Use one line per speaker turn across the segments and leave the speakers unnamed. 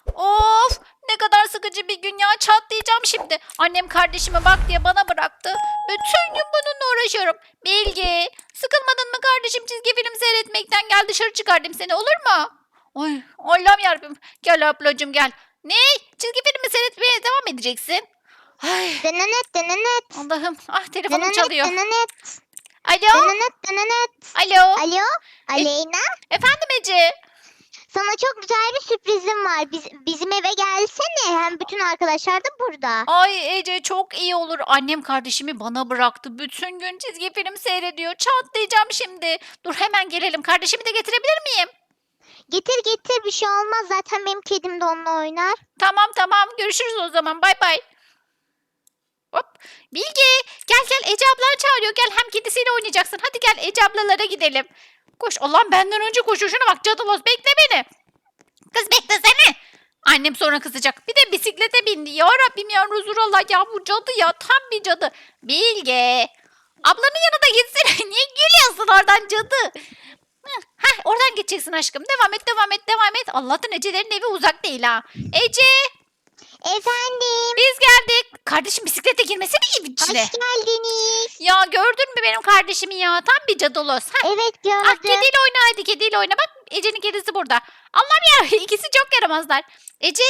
Of, ne kadar sıkıcı bir gün ya, çatlayacağım şimdi. Annem kardeşime bak diye bana bıraktı. Bütün gün bununla uğraşıyorum. Bilge, sıkılmadın mı kardeşim çizgi film seyretmekten? Gel dışarı çıkardım seni, olur mu? Ay Allah'ım yarabbim. Gel ablacığım gel. Ne? Çizgi filmi seyretmeye devam edeceksin. Ay
Denenet denenet.
Allah'ım, ah telefonum
Denenet
çalıyor.
denenet.
Alo?
Denenet denenet.
Alo?
Alo Aleyna.
Efendim Ece?
Sana çok güzel bir sürprizim var. Bizim eve gelsene. Hem bütün arkadaşlar da burada.
Ay Ece çok iyi olur. Annem kardeşimi bana bıraktı. Bütün gün çizgi film seyrediyor. Çatlayacağım şimdi. Dur hemen gelelim. Kardeşimi de getirebilir miyim?
Getir getir, bir şey olmaz. Zaten benim kedim de onunla oynar.
Tamam. Görüşürüz o zaman. Bay bay. Hop. Bilge gel Ece ablan çağırıyor. Gel hem kedisiyle oynayacaksın. Hadi gel Ece ablalara gidelim. Koş. Allah'ım benden önce koşuyor. Şuna bak cadılos, bekle beni. Kız beklesene. Annem sonra kızacak. Bir de bisiklete bindi. Ya Rabbim ya Resulallah ya, bu cadı ya, tam bir cadı. Bilge. Ablanın yanına gitsene. Niye gülüyorsun oradan cadı? Heh, oradan geçeceksin aşkım. Devam et. Allah'tan Ece'lerin evi uzak değil ha. Ece
Efendim.
biz geldik. Kardeşim bisiklete girmesene evin içine.
Hoş geldiniz.
Ya gördün mü benim kardeşimi ya? Tam bir cadılos. Heh.
Evet
Ah,
gördüm.
kediyle oyna hadi, kediyle oyna. Bak Ece'nin kedisi burada. Allah'ım ya ikisi çok yaramazlar. Ece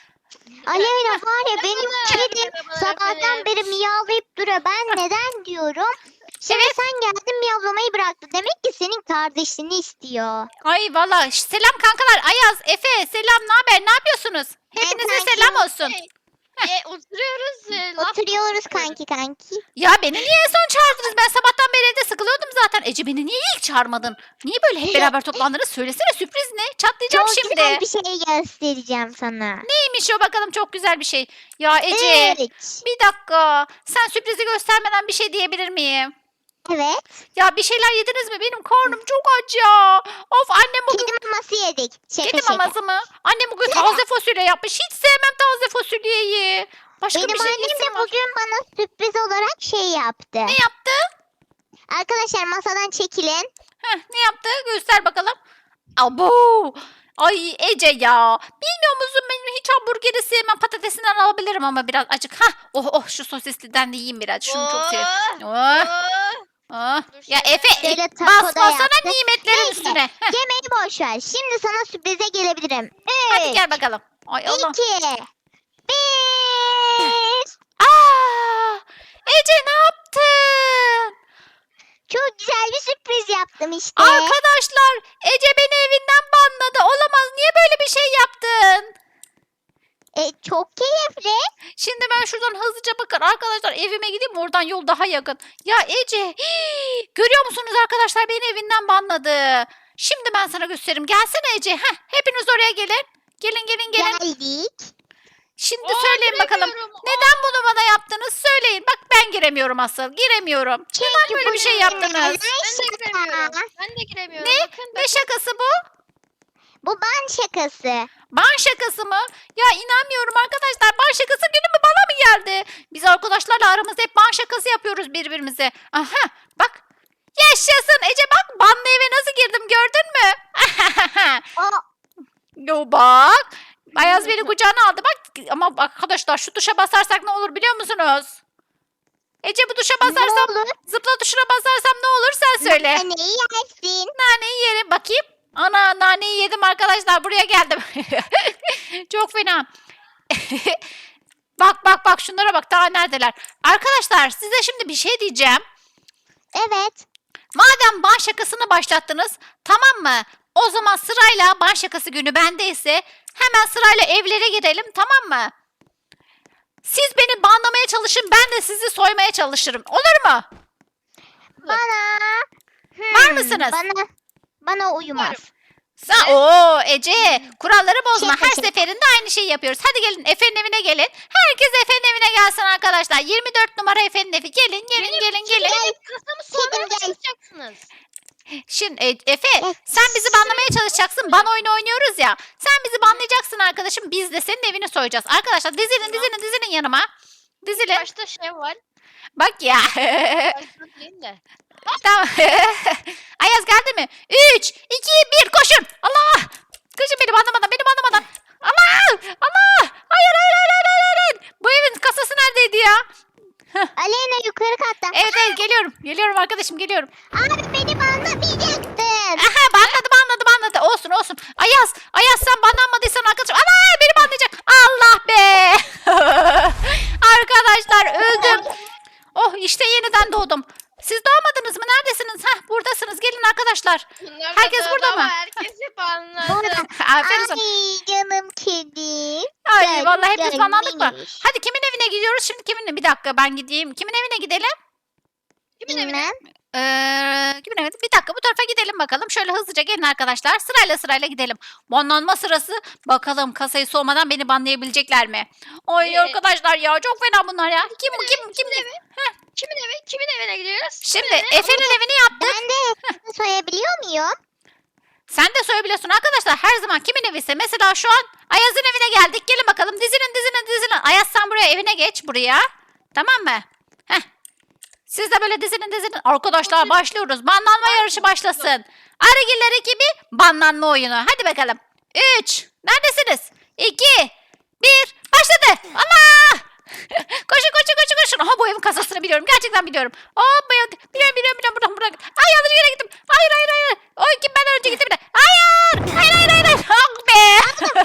Aleyna var ya, benim kedim
merhabalar
sabahtan
efendim.
beri miyavlayıp duruyor. Ben neden diyorum. Şimdi
Evet.
sen geldin miyavlamayı bıraktı. Demek ki senin kardeşini istiyor.
ay valla selam kankalar. Ayaz, Efe selam, ne haber, ne yapıyorsunuz? Hepinize
kanki.
selam olsun.
Oturuyoruz. Laf
Oturuyoruz
konuşuyoruz.
kanki.
Ya beni niye en son çağırdınız? Ben sabahtan beri evde sıkılıyordum zaten. Ece beni niye ilk çağırmadın? Niye böyle hep beraber toplandınız? Söylesene, sürpriz ne? Çatlayacağım
Çok
şimdi.
güzel bir şey göstereceğim sana.
Neymiş o bakalım, çok güzel bir şey. Ya Ece
3.
bir dakika. Sen sürprizi göstermeden bir şey diyebilir miyim?
Evet.
Ya bir şeyler yediniz mi? Benim karnım çok aç ya. Of, annem bugün
Kedi maması yedik. Şaka
kedi
şaka.
maması mı? Annem bugün taze fasulye yapmış. Hiç sevmem taze fasulyeyi. Başka
Benim
bir şey
annem de
yesim var.
bugün bana sürpriz olarak şey yaptı.
Ne yaptı?
Arkadaşlar masadan çekilin.
Heh, ne yaptı? Göster bakalım. Abo! Ay Ece ya. Bilmiyor musun, benim hiç hamburgeri sevmem. Patatesinden alabilirim ama biraz acık. Hah, oh şu sosisliden de yiyeyim biraz. Şunu çok seviyorum. Oh, oh.
Dur
Ya
şöyle.
Efe
Şöyle taco da
basmasana
yaptı.
nimetlerin
Neyse.
üstüne. Heh,
Yemeği boş ver. Şimdi sana sürprize gelebilirim.
hadi
3,
gel bakalım. Ay Allah.
2, 1.
Aa! Ece ne yaptın?
Çok güzel bir sürpriz yaptım işte.
Arkadaşlar Ece beni evinden banladı. Olamaz. Niye böyle bir şey yaptın?
Çok keyifli.
Şimdi ben şuradan hızlıca bakın arkadaşlar, evime gideyim, oradan yol daha yakın. Ya Ece görüyor musunuz arkadaşlar, beni evinden banladı. Şimdi ben sana gösteririm. Gelsene Ece. Heh, hepiniz oraya gelin. Gelin.
Geldik.
Şimdi söyleyin bakalım.
Giremiyorum.
Neden bunu bana yaptınız? Söyleyin. Bak ben giremiyorum asıl. Giremiyorum. Neden böyle bir şey yaptınız?
Ben de giremiyorum. Ben de giremiyorum.
Ne?
Bakın,
Ne şakası bu?
Bu ban şakası.
Ban şakası mı? Ya inanmıyorum arkadaşlar. Ban şakası günü mü bana mı geldi? Biz arkadaşlarla aramızda hep ban şakası yapıyoruz birbirimize. Aha bak. Yaşasın Ece, bak banlı eve nasıl girdim, gördün mü?
O
Yo bak. Ayaz beni kucağına aldı bak. Ama arkadaşlar şu tuşa basarsak ne olur biliyor musunuz? Ece bu tuşa basarsam,
ne olur?
zıpla tuşuna basarsam ne olur sen söyle.
Neyi yersin?
Naneyi yerim bakayım. Ana naneyi yedim arkadaşlar, buraya geldim. Çok fena. Bak şunlara bak, daha neredeler. Arkadaşlar size şimdi bir şey diyeceğim.
Evet.
Madem ban şakasını başlattınız, tamam mı? O zaman sırayla ban şakası günü bendeyse hemen sırayla evlere girelim, tamam mı? Siz beni banlamaya çalışın, ben de sizi soymaya çalışırım. Olur mu?
Bana.
Var mısınız?
Bana uymaz.
Oo Ece, kuralları bozma.
Şaka,
Her
şaka.
seferinde aynı şeyi yapıyoruz. Hadi gelin Efe'nin evine gelin. Herkes Efe'nin evine gelsin arkadaşlar. 24 numara Efe'nin evi. Gelin.
Kasamı sonra mı
Gel.
çalışacaksınız?
Şimdi Efe, sen bizi banlamaya çalışacaksın. Ban oyunu oynuyoruz ya. Sen bizi banlayacaksın arkadaşım. Biz de senin evini soyacağız. Arkadaşlar dizilin yanıma. Dizilin.
Başta şey var.
Bak ya.
Başta değil de.
Tamam. Ayaz geldi mi? 3, 2, 1 koşun. Allah. Koşun beni banlamadan. Allah. geliyorum. Geliyorum arkadaşım geliyorum.
Abi beni banlamayacaktın.
Aha banladı. Olsun. Ayaz sen banlanmadıysan arkadaşım. Ana beni banlayacak. Allah be. Arkadaşlar öldüm. Oh işte yeniden doğdum. Siz doğmadınız mı? Neredesiniz? Hah buradasınız. Gelin arkadaşlar.
Bunlar
Herkes
da
burada
ama
mı?
Herkes hep anladı.
Burada.
Aferin sana.
Ay canım kedim.
Ay vallahi hepimiz banlandık mı?
gelmiş.
Hadi kimin evine gidiyoruz? Şimdi kimin? Bir dakika ben gideyim. Kimin evine gidelim?
Kimin evine?
Bilmem.
Kimin evine? Bir dakika bu tarafa gidelim bakalım. Şöyle hızlıca gelin arkadaşlar. Sırayla gidelim. Banlanma sırası. Bakalım kasayı soğumadan beni banlayabilecekler mi? Ay arkadaşlar ya çok fena bunlar ya. Kim?
Kimin evine gidiyoruz?
Şimdi
Kimin evine?
Efe'nin evini yaptık.
Ben de soyabiliyor muyum?
Sen de soyabiliyorsun arkadaşlar. Her zaman kimin eviyse. Mesela şu an Ayaz'ın evine geldik. Gelin bakalım. Dizinin. Ayaz sen buraya evine geç buraya. Tamam mı? Heh. Siz de böyle dizinin. Arkadaşlar başlıyoruz. Banlanma yarışı başlasın. Arıgiller ekibi banlanma oyunu. Hadi bakalım. 3. Neredesiniz? 2. 1. Başladı. Allah! Koşun. Aha bu evin kasasını biliyorum. Gerçekten biliyorum. Hop biliyorum. Buradan. Ay yanlış yere gittim. Hayır. Oy kim benden önce gitti bile. Hayır. Ah be.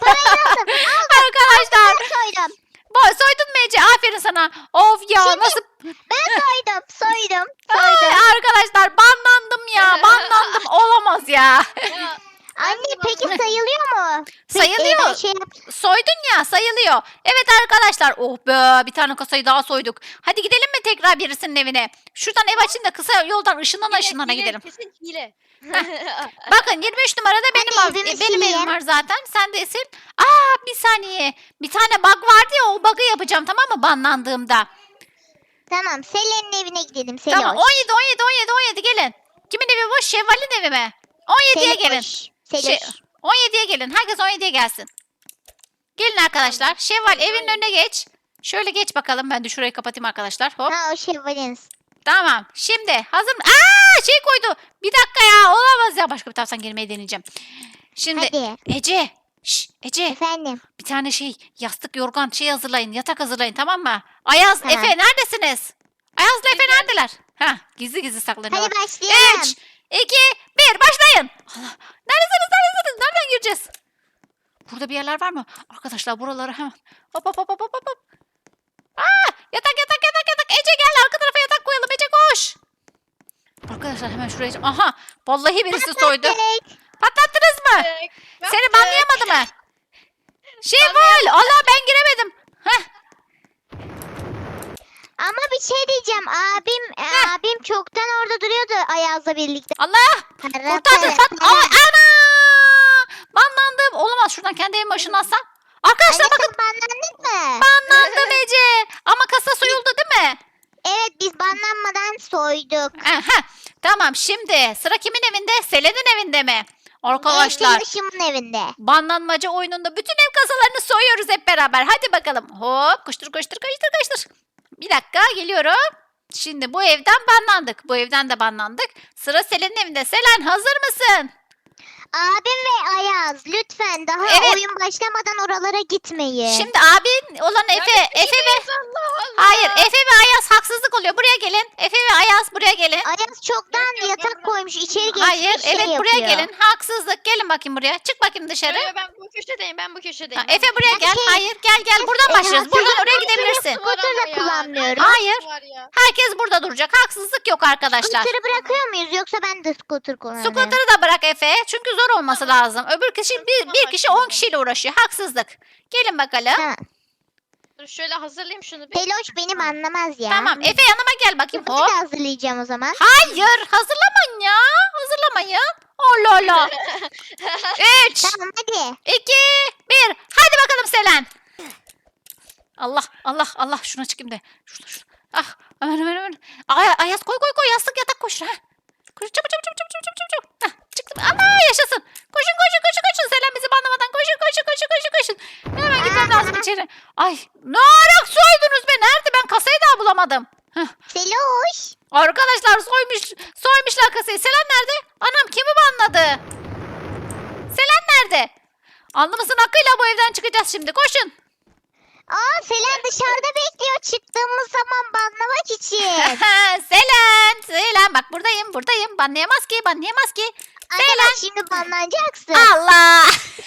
Arkadaşlar.
Ben soydum.
Soydun mu Ece? Aferin sana. Of ya
Şimdi-
nasıl?
Ben soydum.
Ay, arkadaşlar banlandım ya. Banlandım. Olamaz ya.
Ya,
Anne peki sayılıyor mu?
Sayılıyor.
Ben şey
Soydun ya sayılıyor. Evet arkadaşlar. Oh be bir tane kasayı daha soyduk. Hadi gidelim mi tekrar birisinin evine? Şuradan ev açın da kısa yoldan ışınlana
hile,
gidelim.
Kesin hile.
Bakın 23 numarada
evimi
benim evim
sileyim.
var zaten. Sen de sil. Bir saniye. Bir tane bug vardı ya o bug'ı yapacağım tamam mı banlandığımda.
Tamam Selen'in evine gidelim.
Tamam 17 gelin. Kimin evi bu? Şevval'in evi mi? 17'ye gelin.
Seloş.
17'ye gelin. Herkes 17'ye gelsin. Gelin arkadaşlar. Şevval evinin önüne geç. Şöyle geç bakalım. Ben de şurayı kapatayım arkadaşlar. Hop.
Ha o Şevval'in.
Tamam. Şimdi hazır mı? Şey koydu. Bir dakika ya. Olamaz ya. Başka bir taraftan girmeyi deneyeceğim. Şimdi
Hadi
Ece. Ece.
efendim.
Bir tane yastık yorgan hazırlayın. Yatak hazırlayın tamam mı? Ayaz,
Tamam.
Efe neredesiniz? Ayaz'la Efe
Biz
neredeler? Gizli saklanıyorlar.
Hadi başlayalım.
3, 2, 1 başlayın. Allah. Neredesiniz? Nereden gireceğiz? Burada bir yerler var mı? Arkadaşlar buraları hemen. Hop. Yatak. Ece gel arka tarafa yatak koyalım. Ece koş. Arkadaşlar hemen şuraya. Aha. Vallahi birisi soydu.
Evet.
Patlattınız mı? Seni banlayamadı mı? Şevval. Allah ben giremedim.
Ama bir şey diyeceğim. Abim çoktan orada duruyordu Ayaz'la birlikte.
Allah. Kurtardım. Ana. Banlandım. Olamaz şuradan kendi evime ışınlansam. Arkadaşlar
Anne
bakın.
sen banlandın mı?
Banlandım Ece. Ama kasa soyuldu değil mi?
Evet biz banlanmadan soyduk.
Aha. Tamam şimdi sıra kimin evinde? Selen'in evinde mi? Arkadaşlar
Arkadaşımın evinde.
banlanmaca oyununda bütün ev kasalarını soyuyoruz hep beraber. Hadi bakalım. Hop koştur. Bir dakika geliyorum. Şimdi bu evden banlandık. Bu evden de banlandık. Sıra Selen'in evinde. Selen hazır mısın?
Abim ve Ayaz lütfen daha
Evet.
oyun başlamadan oralara gitmeyin.
Şimdi abin olan Efe ve hayır Efe ve Ayaz haksızlık oluyor. Buraya gelin. Efe ve Ayaz buraya gelin.
Ayaz çoktan yatak koymuş içeri geçmiş
Hayır
şey
evet buraya
yapıyor.
gelin. Haksızlık. Gelin bakayım buraya. Çık bakayım dışarı.
Ben bu köşedeyim.
Efe buraya gel.
Şey-
Hayır gel. Buradan başlıyoruz. Buradan oraya gidebilirsin.
Scooter da kullanmıyorum.
Hayır. Herkes burada duracak. Haksızlık yok arkadaşlar.
Scooter'ı bırakıyor muyuz yoksa ben de scooter kullanıyorum.
Scooter'ı da bırak Efe. Çünkü zor olması lazım. Öbür kişi bir kişi 10 kişiyle uğraşıyor. Haksızlık. Gelin bakalım.
Tamam.
Dur şöyle hazırlayayım şunu bir.
Peloş benim anlamaz ya.
Tamam. Efe yanıma gel bakayım.
Scooter'ı
Hop.
da hazırlayacağım o zaman.
Hayır. Hazırlamayın ya. Hazırlamayın. Allah Allah. 3,
Tamam hadi.
2, 1. Hadi bakalım Selen. Allah. Şuna çıkayım da. Şurada. Hemen. Ayaz koy. Yastık yatak koş. Koş çabuk. Çıktım. Allah yaşasın. Koşun. Selen bizi banlamadan koşun. Hemen gitmem lazım içeri. Ay ne ara soydunuz be. Nerede? Ben kasayı daha bulamadım.
Seloş.
Arkadaşlar soymuşlar kasayı. Selen nerede? Anam kimi banladı? Selen nerede? Alnımızın hakkıyla bu evden çıkacağız şimdi. Koşun.
Selen dışarıda bekliyor çıktığımız zaman banlamak için.
Selen bak buradayım. Banlayamaz ki.
Arkadaş şimdi banlanacaksın.
Allah.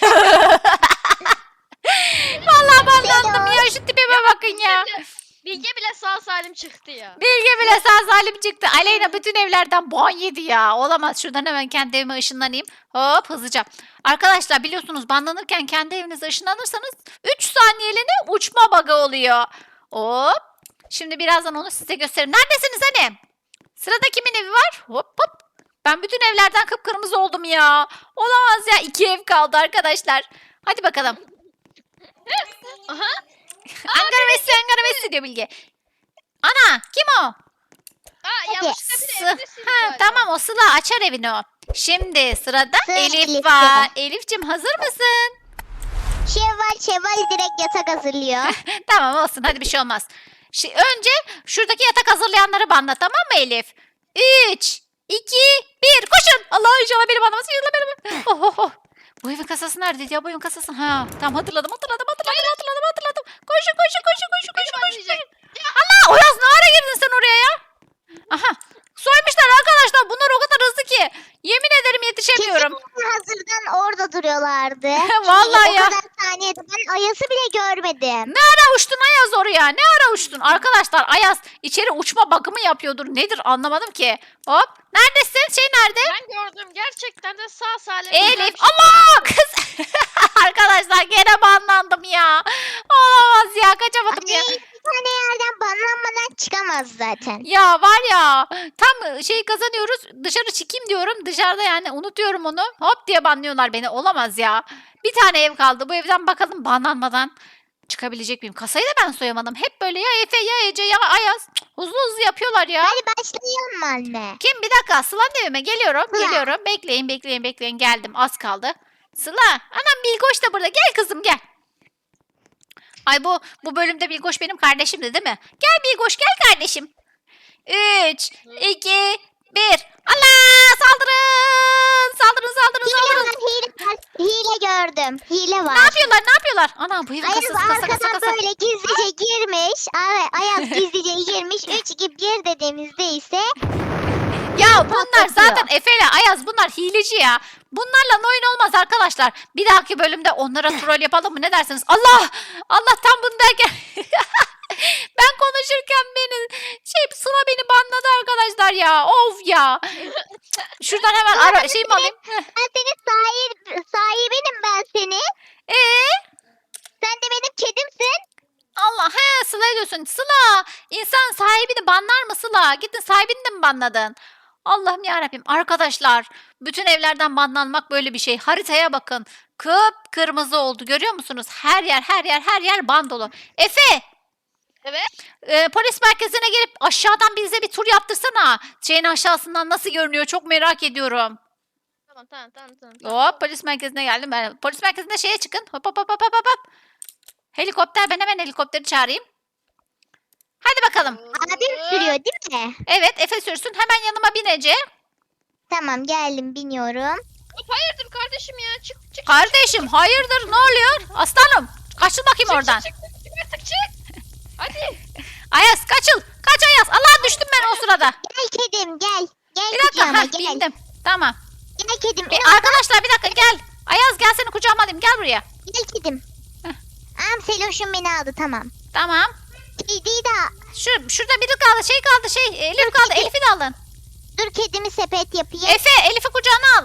Vallahi banlandım ya. Şu tipime bakın ya.
Bilge bile sağ salim çıktı ya.
Bilge bile sağ salim çıktı. Aleyna bütün evlerden ban yedi ya. Olamaz. Şuradan hemen kendi evime ışınlanayım. Hop hızlıca. Arkadaşlar biliyorsunuz banlanırken kendi evinize ışınlanırsanız 3 saniyeliğine uçma bug'ı oluyor. Hop. Şimdi birazdan onu size gösteririm. Neredesiniz hani? Sırada kimin evi var? Hop hop. Ben bütün evlerden kıpkırmızı oldum ya. Olamaz ya. 2 ev kaldı arkadaşlar. Hadi bakalım.
Aha.
Ankara Messi diyor Bilge. Ana kim o?
Yanlışlıkla bir
Sı-
evde sildim
Ha,
galiba.
tamam o Sıla açar evini o. Şimdi sırada
Sıra
Elif
Elif'te.
var. Elif'cim hazır mısın?
Şevval direkt yatak hazırlıyor.
Tamam olsun hadi bir şey olmaz. Önce şuradaki yatak hazırlayanları banla tamam mı Elif? 3, 2, 1 koşun. Allah inşallah benim anlamasın. İnşallah benim. Oh, oh, oh. Bu evin kasası neredeydi ya bu evin kasası? Ha tamam hatırladım. Koşun.
Banlayacak.
Allah Oyaz ne ara girdin sen oraya ya? Aha soymuşlar arkadaşlar. Bunlar o kadar hızlı ki. Yemin ederim yetişemiyorum.
Kesin hazırdan orada duruyorlardı.
Vallahi
Çünkü
ya.
O kadar saniyede ben Ayas'ı bile görmedim.
Ne ara uçtun Ayaz oraya? Ne ara uçtun? Arkadaşlar Ayaz içeri uçma bakımı yapıyordur. Nedir anlamadım ki. Hop. Neredesin? Nerede?
Ben gördüm gerçekten de sağ salim.
Elif. Allah kız. Arkadaşlar gene banlandım ya. Olamaz ya kaçamadım ya.
Anne bir tane yerden banlanmadan çıkamaz zaten.
Ya var ya tam kazanıyoruz dışarı çıkayım diyorum dışarıda yani unutuyorum onu hop diye banlıyorlar beni olamaz ya. Bir tane ev kaldı bu evden bakalım banlanmadan çıkabilecek miyim? Kasayı da ben soyamadım hep böyle ya Efe ya Ece ya Ayaz Cık, hızlı yapıyorlar ya.
Hadi başlayalım mı anne?
Kim bir dakika Sıla'nın evime geliyorum
Sıla.
geliyorum bekleyin geldim az kaldı. Sıla anam Bilgoş da burada gel kızım gel. Ay bu bölümde Bilgoş benim kardeşimdi değil mi? Gel Bilgoş gel kardeşim. 3, 2, 1. Allah saldırın. Saldırın.
Hile gördüm. Hile var.
Ne yapıyorlar? Ana bu evin
Ayaz
kasası kasa.
arkadan böyle gizlice girmiş. Ayaz gizlice girmiş. 3, 2, 1 dediğimizde ise
Ya bunlar
patlatıyor.
zaten Efe ile Ayaz bunlar hileci ya. Bunlarla oyun olmaz arkadaşlar. Bir dahaki bölümde onlara troll yapalım mı ne dersiniz? Allah tam bunu derken ben konuşurken Sıla beni banladı arkadaşlar ya. Of ya. Şuradan hemen mi alayım?
ben senin sahibinim ben seni. Sen de benim kedimsin.
Allah Sıla diyorsun. Sıla insan sahibini banlar mı Sıla? Gittin sahibini de mi banladın? Allah'ım yarabbim arkadaşlar bütün evlerden banlanmak böyle bir şey. Haritaya bakın. Kıpkırmızı oldu görüyor musunuz? Her yer ban dolu. Efe
Evet.
polis merkezine gelip aşağıdan bize bir tur yaptırsana. Şeyin aşağısından nasıl görünüyor çok merak ediyorum.
Tamam.
Hop polis merkezine geldim. Ben polis merkezinde şeye çıkın. Hop. Helikopter ben hemen helikopteri çağırayım. Hadi bakalım.
Abim sürüyor değil mi?
Evet Efe sürsün. Hemen yanıma bin Ece.
Tamam geldim biniyorum.
Hayırdır kardeşim ya çık.
Kardeşim hayırdır ne oluyor? Aslanım kaçıl bakayım oradan.
Çık artık çık. Hadi.
Ayaz kaçıl. Kaç Ayaz. Allah düştüm ben o sırada.
Gel kedim gel. Gel
Bir dakika.
kucağıma
Heh,
gel.
bindim. Tamam.
Gel kedim.
Arkadaşlar bir dakika gel. Ayaz gel seni kucağıma alayım. Gel buraya.
Gel kedim. Seloş'um beni aldı tamam.
Tamam.
Kediyi de
Şurada biri kaldı. Elif kaldı. Elif'i de alın.
dur kedimi sepet yapayım.
Efe Elif'i kucağına al.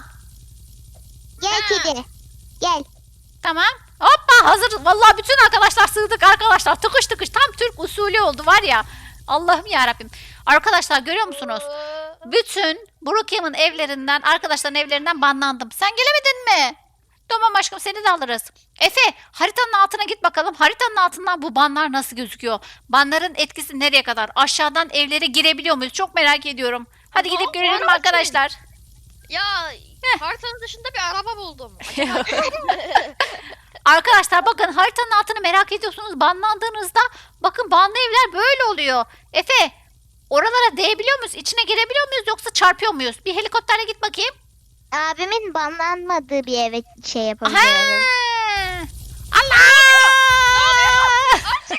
Gel
Ha.
kedi. Gel.
Tamam. Hoppa hazır. Vallahi bütün arkadaşlar sığdık arkadaşlar. Tıkış tam Türk usulü oldu var ya. Allah'ım yarabbim. Arkadaşlar görüyor musunuz? Bütün Brookhaven evlerinden, arkadaşların evlerinden banlandım. Sen gelemedin mi? Tamam aşkım seni de alırız. Efe haritanın altına git bakalım. Haritanın altından bu banlar nasıl gözüküyor? Banların etkisi nereye kadar? Aşağıdan evlere girebiliyor muyuz? Çok merak ediyorum. Hadi gidip görelim arkadaşlar.
Ya haritanın dışında bir araba buldum. Acaba
Arkadaşlar bakın haritanın altını merak ediyorsunuz. Banlandığınızda bakın banlı evler böyle oluyor. Efe oralara değebiliyor muyuz? İçine girebiliyor muyuz yoksa çarpıyor muyuz? Bir helikopterle git bakayım.
Abimin banlanmadığı bir eve şey
Aha!
yapabiliyoruz.
Allah!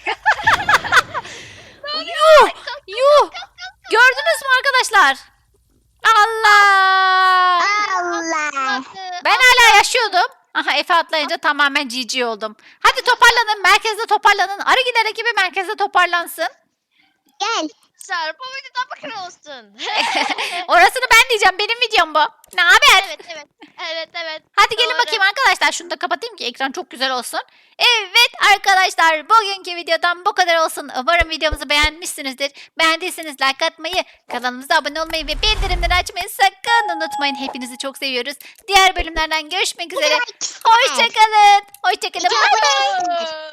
hala yaşıyordum. Aha Efe atlayınca tamamen GG oldum. Hadi toparlanın. Merkezde toparlanın. Arı gider ekibi merkezde toparlansın.
Gel.
Serpa videodan bakın olsun.
Orasını ben diyeceğim. Benim videom bu. Ne haber?
Evet evet. Evet evet.
Hadi gelin
Doğru.
bakayım arkadaşlar. Şunu da kapatayım ki ekran çok güzel olsun. Evet arkadaşlar bugünkü videodan bu kadar olsun. Umarım videomuzu beğenmişsinizdir. Beğendiyseniz like atmayı, kanalımıza abone olmayı ve bildirimleri açmayı sakın unutmayın. Hepinizi çok seviyoruz. Diğer bölümlerden görüşmek üzere. Hoşçakalın. Hoşçakalın. Bay bay.
Hoşçakalın.